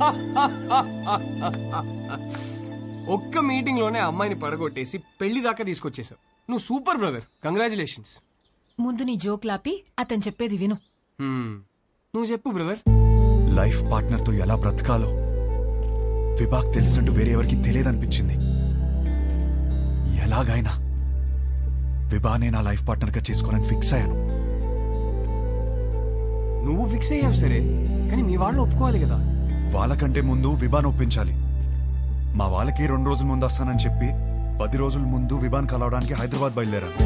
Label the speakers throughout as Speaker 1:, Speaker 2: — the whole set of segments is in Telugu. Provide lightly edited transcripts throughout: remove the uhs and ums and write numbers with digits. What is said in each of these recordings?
Speaker 1: ఒక్క మీటింగ్ లోనే అమ్మాయిని పడగొట్టేసి పెళ్లి దాకా తీసుకొచ్చేసావు. నువ్వు సూపర్ బ్రదర్, కంగ్రాచులేషన్స్.
Speaker 2: ముందు నీ జోక్ లాపి అతను చెప్పేది విను.
Speaker 1: నువ్వు చెప్పు బ్రదర్.
Speaker 3: లైఫ్ పార్ట్నర్ తో ఎలా బ్రతకాలో విభాగ్ తెలిసినట్టు వేరే ఎవరికి తెలియదనిపించింది. ఎలాగైనా విభానే నా లైఫ్ పార్ట్నర్ గా చేసుకోనని ఫిక్స్ అయ్యాను.
Speaker 1: నువ్వు ఫిక్స్ అయ్యావు సరే, కానీ మీ వాళ్ళు ఒప్పుకోవాలి కదా.
Speaker 3: వాళ్ళకంటే ముందు విభాన్ ఒప్పించాలి. మా వాళ్ళకి 2 రోజుల ముందు వస్తానని చెప్పి 10 రోజుల ముందు విభాన్ కలవడానికి హైదరాబాద్ బయలుదేరాను.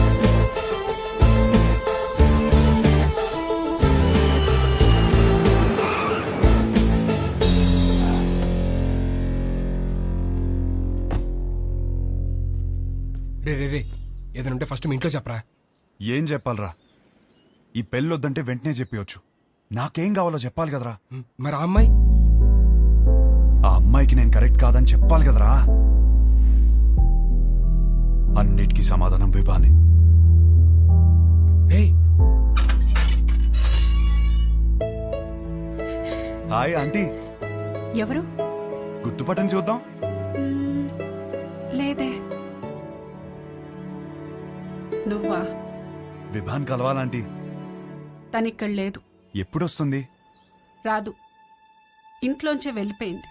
Speaker 1: రే ఏదైనా ఉంటే ఫస్ట్ మీ ఇంట్లో చెప్పరా.
Speaker 3: ఏం చెప్పాలరా? ఈ పెళ్ళొద్దంటే వెంటనే చెప్పవచ్చు. నాకేం కావాలో చెప్పాలి కదరా.
Speaker 1: మరి ఆ అమ్మాయి?
Speaker 3: ఆ అమ్మాయికి నేను కరెక్ట్ కాదని చెప్పాలి కదరా. అన్నిటికీ సమాధానం విభానే.
Speaker 1: రే
Speaker 3: హాయ్ ఆంటీ.
Speaker 2: ఎవరు?
Speaker 3: గుర్తుపట్టని చూద్దాం.
Speaker 2: లేదే. నువ్వా?
Speaker 3: విభాన్ కలవాలంటీ.
Speaker 2: తనిక్కడ లేదు.
Speaker 3: ఎప్పుడొస్తుంది?
Speaker 2: రాదు, ఇంట్లోంచే వెళ్ళిపోయింది.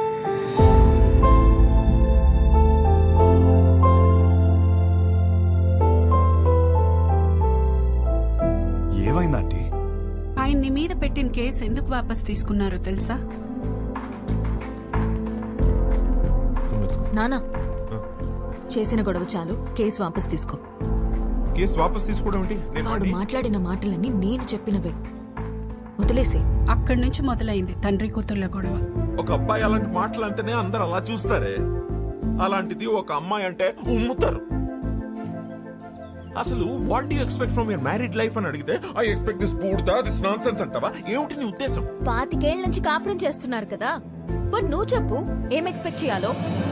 Speaker 3: ఏమైందంటీ?
Speaker 2: ఆయన్ని మీద పెట్టిన కేసు ఎందుకు వాపస్ తీసుకున్నారో తెలుసా?
Speaker 4: నానా, చేసిన గొడవ చాలు, కేసు వాపస్ తీసుకో.
Speaker 5: కేసు వాపస్ తీసుకోవడం ఏంటి?
Speaker 4: వాడు మాట్లాడిన మాటలన్నీ నేను చెప్పినవే, వదిలేసి.
Speaker 2: అక్కడి నుంచి మొదలైంది తండ్రి కూతుర్ల గొడవ.
Speaker 5: ఒక అబ్బాయి అలాంటి మాటలు అంటేనే అందరు అలా చూస్తారే, అలాంటిది ఒక అమ్మాయి అంటే ఉమ్ముతారు. అసలు what do you expect from your married life అని అడిగితే ఐ ఎక్స్పెక్ట్ దిస్ బూడ్దా, దిస్ నాన్సెన్స్ అంటావా? ఏమిటి నీ ఉద్దేశం?
Speaker 4: 25 ఏళ్ల నుంచి కాపురం చేస్తున్నారు కదా, మరి నువ్వు చెప్పు ఏం ఎక్స్పెక్ట్ చేయాలో.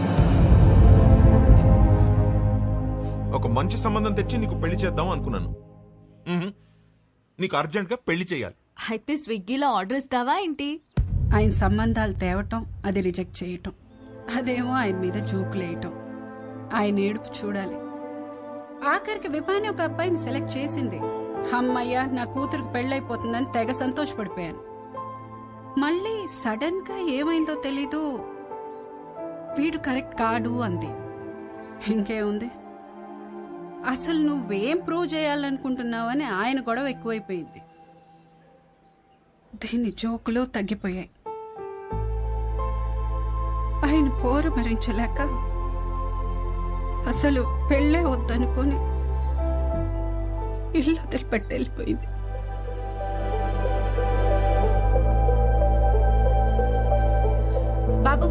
Speaker 5: ఒక మంచి సంబంధం తెచ్చి నీకు పెళ్లి చేద్దాం అనుకున్నాను. నీకు అర్జెంట్ గా పెళ్లి చేయాలి.
Speaker 4: అయితే స్విగ్గీలో ఆర్డర్ ఇస్తావా ఏంటి?
Speaker 2: ఆయన సంబంధాలు తేవటం, అది రిజెక్ట్ చేయటం, అదేమో ఆయన మీద జోకులేయటం, ఆయన ఏడుపు చూడాలి. ఆఖరికి విభాని ఒక అబ్బాయిని సెలెక్ట్ చేసింది. అమ్మయ్య, నా కూతురికి పెళ్ళైపోతుందని తెగ సంతోషపడిపోయాను. మళ్ళీ సడన్ గా ఏమైందో తెలీదు, వీడు కరెక్ట్ కాడు అంది. ఇంకేముంది, అసలు నువ్వేం ప్రూవ్ చేయాలనుకుంటున్నావని ఆయన గొడవ ఎక్కువైపోయింది. దీని జోకులు తగ్గిపోయాయి. ఆయన పోరు భరించలేక అసలు పెళ్ళే వద్దనుకొని ఇల్లు వదిలిపెట్టి వెళ్ళిపోయింది. బాబు,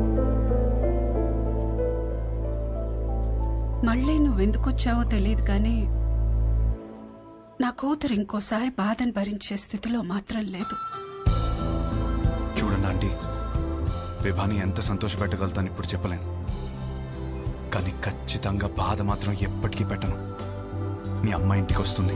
Speaker 2: మళ్ళీ నువ్వెందుకొచ్చావో తెలియదు కానీ నా కూతురు ఇంకోసారి బాధను భరించే స్థితిలో మాత్రం లేదు.
Speaker 3: చూడండి ఆంటీ, విభాని ఎంత సంతోషపెట్టగలుగుతాను ఇప్పుడు చెప్పలేను, కానీ ఖచ్చితంగా బాధ మాత్రం ఎప్పటికీ పెట్టను. మీ అమ్మ ఇంటికి వస్తుంది.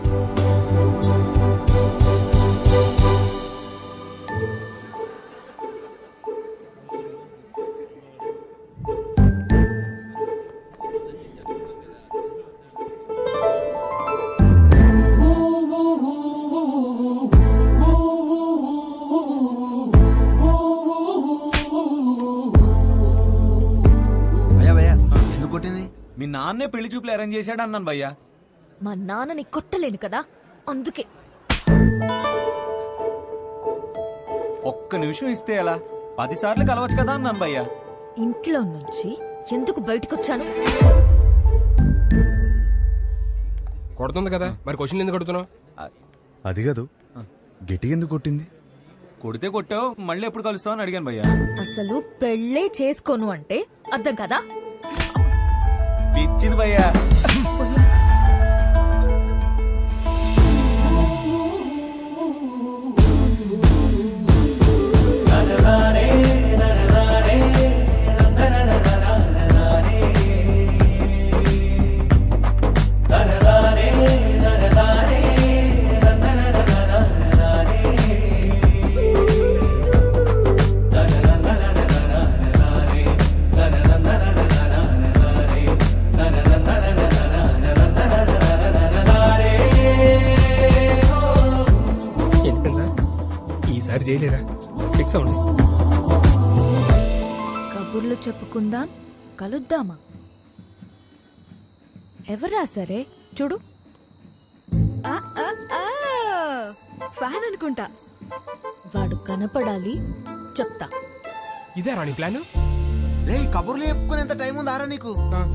Speaker 6: మీ నాన్నే పెళ్లి చూపులు అరేంజ్ చేశాడు అన్నాను భయ్యా.
Speaker 4: మా నాన్నని కొట్టలేను కదా, అందుకే.
Speaker 6: ఒక్క నిమిషం ఇస్తే ఎలా? 10 సార్లు కలవచ్చు కదా అన్నాను భయ్యా.
Speaker 4: ఇంట్లో నుంచి ఎందుకు బయటకొచ్చాను?
Speaker 1: కొడుతుంది కదా, మరి క్వశ్చన్ ఎందుకు కొడుతున్నావు?
Speaker 3: అది కాదు, గిటి ఎందుకు కొట్టింది?
Speaker 6: కొడితే కొట్టావు, మళ్ళీ ఎప్పుడు కలుస్తావు అని అడిగాను భయ్యా.
Speaker 4: అసలు పెళ్ళే చేసుకోను అంటే అర్థం కదా?
Speaker 6: పిచ్చింది భయ్యా.
Speaker 1: ఈసారి చేయలేరా ఫిక్స్ అవ్వండి.
Speaker 4: కబుర్లు చెప్పుకుందాం, కలుద్దామా? ఎవరు రాసారే చూడు. ఫ్యాన్ అనుకుంటా. వాడు కనపడాలి, చెప్తా.
Speaker 1: ఇదే రాణి ప్లాన్.
Speaker 7: రే కబుర్లు చెప్పుకునేంత టైం ఉందారా నీకు?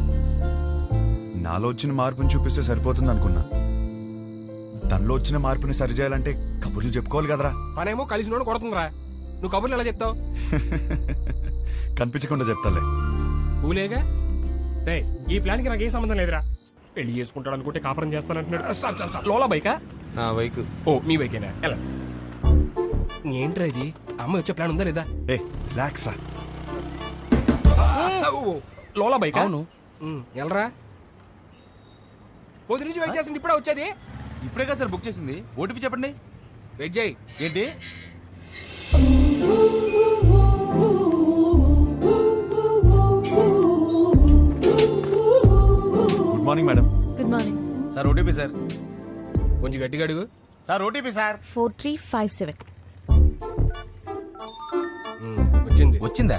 Speaker 3: నాలో వచ్చిన మార్పుని చూపిస్తే సరిపోతుంది అనుకున్నా. తనలో వచ్చిన మార్పుని సరిచేయాలంటే కబుర్లు చెప్పుకోవాలి కదరా.
Speaker 1: పనేమో కలిసి నోడు కొడుతుందిరా. నువ్వు కబుర్లు ఎలా చెప్తావు?
Speaker 3: కనిపించకుండా చెప్తాలే.
Speaker 1: ఊలేగా రే, ఈ ప్లాన్ కి నాకు ఏ సంబంధం లేదురా. పెళ్లి చేసుకుంటాడు అనుకుంటే కాపురం చేస్తానంటున్నాడు. Stop stop stop. లోలా బైకా?
Speaker 7: నా బైక్.
Speaker 1: ఓ మీ బైకేనా? ఎలా ఏంట్రా ఇది? అమ్మ వచ్చే ప్లాన్ ఉందా లేదా?
Speaker 3: ఏ రిలాక్స్ రా.
Speaker 1: లోలా బైక్?
Speaker 6: అవును.
Speaker 1: ఎలరా పొద్దు నుంచి వెయిట్ చేస్తుంది, ఇప్పుడే వచ్చేది.
Speaker 6: ఇప్పుడే కదా సార్ బుక్ చేసింది. ఓటీపీ చెప్పండి.
Speaker 1: వెయిట్ చేయి.
Speaker 6: ఏంటి?
Speaker 3: Good morning madam.
Speaker 4: Good morning.
Speaker 6: Sir OTP sir.
Speaker 1: కొంచెం గట్టిగా అడుగు.
Speaker 6: Sir OTP sir.
Speaker 4: 4357.
Speaker 1: వచ్చింది.
Speaker 6: వచ్చిందా?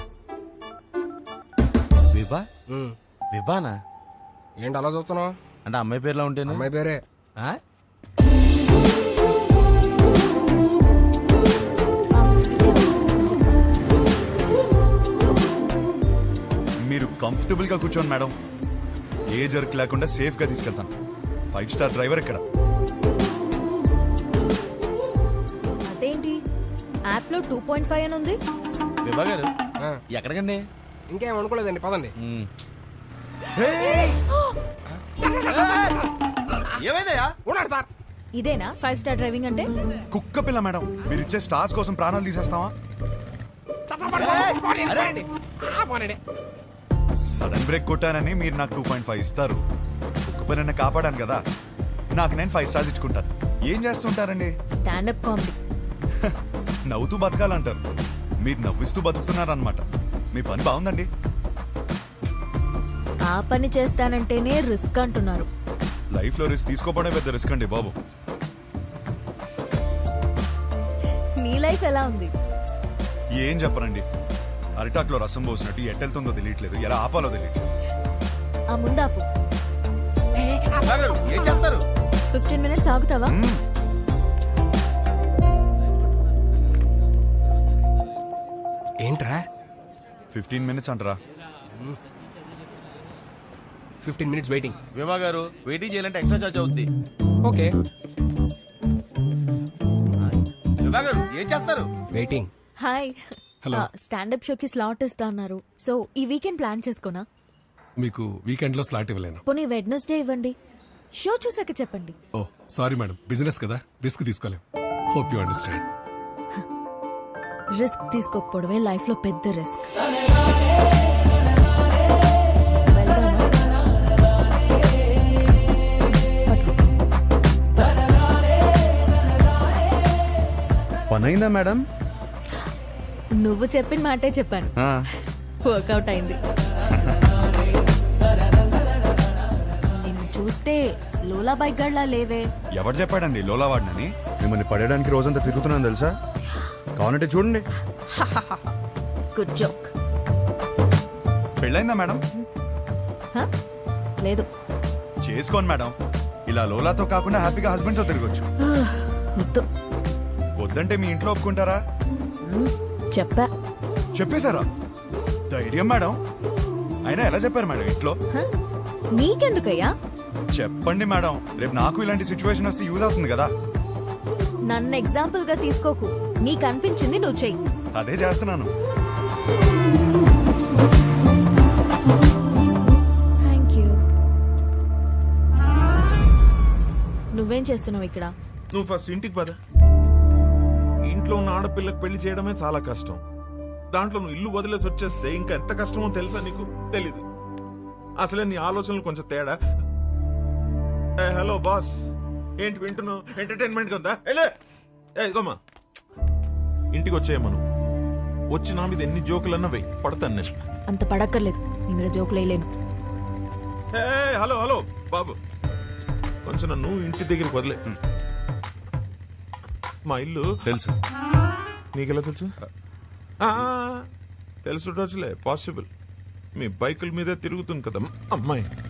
Speaker 6: విభా?
Speaker 1: ఉమ్.
Speaker 6: విభానా?
Speaker 1: ఏంటి అలా చూస్తున్నావు?
Speaker 6: అంటే అమ్మాయి పేరులో ఉంటేనే.
Speaker 1: అమ్మాయి పేరే.
Speaker 6: ఆ?
Speaker 3: మీరు కంఫర్టబుల్ గా కూర్చోండి మేడం. ఏ జర్క్ లేకుండా సేఫ్ గా తీసుకెళ్తాను. 5 స్టార్ డ్రైవర్ ఇక్కడ.
Speaker 4: అదేంటి యాప్ లో 2.5 అని ఉంది?
Speaker 6: విభా గారు
Speaker 1: ఆ,
Speaker 6: ఎక్కడికండి?
Speaker 1: ఇంకేం అనుకోలేదండి, పదండి.
Speaker 6: ఏమైందయ్యా?
Speaker 1: ఉన్నాడు సార్.
Speaker 4: ఇదేనా 5 స్టార్ డ్రైవింగ్ అంటే?
Speaker 3: కుక్క పిల్ల మేడం. మీరు ఇచ్చే స్టార్స్ కోసం ప్రాణాలు తీసేస్తావా? సడన్ బ్రేక్ కొట్టానని మీరు నాకు 2.5 ఇస్తారు. కుక్క పిల్లని కాపాడాను కదా, నాకు నేను 5 స్టార్స్ ఇచ్చుకుంటాను. ఏం చేస్తుంటారండి?
Speaker 4: Standup comedy.
Speaker 3: నవ్వుతూ బతకాలంటారు, మీరు నవ్విస్తూ బతుకుతున్నారన్నమాట. మీ పని బాగుందండి.
Speaker 4: ఆ పని చేస్తానంటేనే రిస్క్ అంటున్నారు.
Speaker 3: లైఫ్ లో రిస్క్ తీసుకోవడమే పెద్ద రిస్క్ అండి బాబు.
Speaker 4: నీ లైఫ్ ఎలా ఉంది?
Speaker 3: ఏం చెప్పరండి, అరిటాక్లో రసం పోసినట్టు ఎట్టెళ్తుందో తెలియట్లేదు, ఎలా ఆపాలో తెలియట్లేదు.
Speaker 4: ఆ ముందాపు.
Speaker 6: విభా గారు ఏం చేస్తారు?
Speaker 4: 15 minutes ఆగుతావా?
Speaker 1: ఏంట్రా
Speaker 3: 15 minutes అంటారా?
Speaker 1: 15 minutes వెయిటింగ్.
Speaker 6: విభా గారు వెయిటింగ్ చేయాలంటే ఎక్స్ట్రా చార్జ్ అవుద్ది.
Speaker 1: ఓకే
Speaker 6: విభా గారు ఏం చేస్తారు?
Speaker 1: వెయిటింగ్.
Speaker 4: హాయ్. స్టాండప్ షోకి స్లాట్ ఇస్తా అన్నారు. సో ఈ వీకెండ్ ప్లాన్ చేసుకోనా?
Speaker 8: మీకు వీకెండ్ లో స్లాట్ ఇవ్వలేను.
Speaker 4: పోనీ వెడ్నెస్డే ఇవ్వండి. షో చూసాక చెప్పండి.
Speaker 8: ఓ సారీ మేడం, బిజినెస్ కదా, రిస్క్ తీసుకోలేం. Hope you understand.
Speaker 4: రిస్క్ తీసుకోకపోవడమే లైఫ్ లో పెద్ద రిస్క్.
Speaker 3: పనైందా మేడం?
Speaker 4: నువ్వు చెప్పిన మాటే చెప్పాను. వర్కౌట్ అయింది. నిన్ను చూస్తే లోలా బైక్ గడ్లా లేవే.
Speaker 3: ఎవరు చెప్పాడండి లోలా వాడినని? మిమ్మల్ని పడేయడానికి రోజంతా తిరుగుతున్నాను తెలుసా. కావాలంటే చూడండి.
Speaker 4: Good joke.
Speaker 3: పెళ్ళైందా మేడం?
Speaker 4: లేదు.
Speaker 3: చేసుకోండి మేడం. ఇలా లోలాతో కాకుండా హ్యాపీగా హస్బెండ్ తో తిరగొచ్చు.
Speaker 4: వద్దు.
Speaker 3: వద్దంటే మీ ఇంట్లో ఒప్పుకుంటారా?
Speaker 4: చెప్పా.
Speaker 3: చెప్పేశారా? ధైర్యం మేడం. అయినా ఎలా చెప్పారు మేడం ఇంట్లో?
Speaker 4: నీకెందుకయ్యా?
Speaker 3: చెప్పండి మేడం, రేపు నాకు ఇలాంటి సిచ్యువేషన్ వస్తే యూజ్ అవుతుంది కదా.
Speaker 4: నన్ను ఎగ్జాంపుల్ గా తీసుకోకు. నీకు అనిపించింది నువ్వు చెయ్యి.
Speaker 3: అదే చేస్తున్నాను.
Speaker 4: Thank you. నువ్వేం చేస్తున్నావు ఇక్కడ?
Speaker 5: నువ్వు ఫస్ట్ ఇంటికి పద. ఇంట్లో ఉన్న ఆడపిల్లకి పెళ్లి చేయడమే చాలా కష్టం. దాంట్లో నువ్వు ఇల్లు వదిలేసి వచ్చేస్తే ఇంకా ఎంత కష్టమో తెలుసా నీకు? తెలీదు. అసలే నీ ఆలోచనలు కొంచెం తేడా. హలో బాస్, ఏంటి వింటున్నావు? ఎంటర్టైన్మెంట్ ఉందా? ఇదిగోమ్మా, ఇంటికి వచ్చేయమను. వచ్చి నా మీద ఎన్ని జోకులన్నా వెయ్యి, పడతాను నేను.
Speaker 4: అంత పడక్కర్లేదు. నీ మీద జోకులు వేయలేను.
Speaker 5: హలో హలో బాబు, కొంచెం నన్ను ఇంటి దగ్గరికి వదిలే. మా ఇల్లు
Speaker 3: తెలుసు.
Speaker 5: నీకెలా తెలుసు? తెలుసుండొచ్చులే, పాసిబుల్. మీ బైకుల మీదే తిరుగుతుంది కదా అమ్మాయి.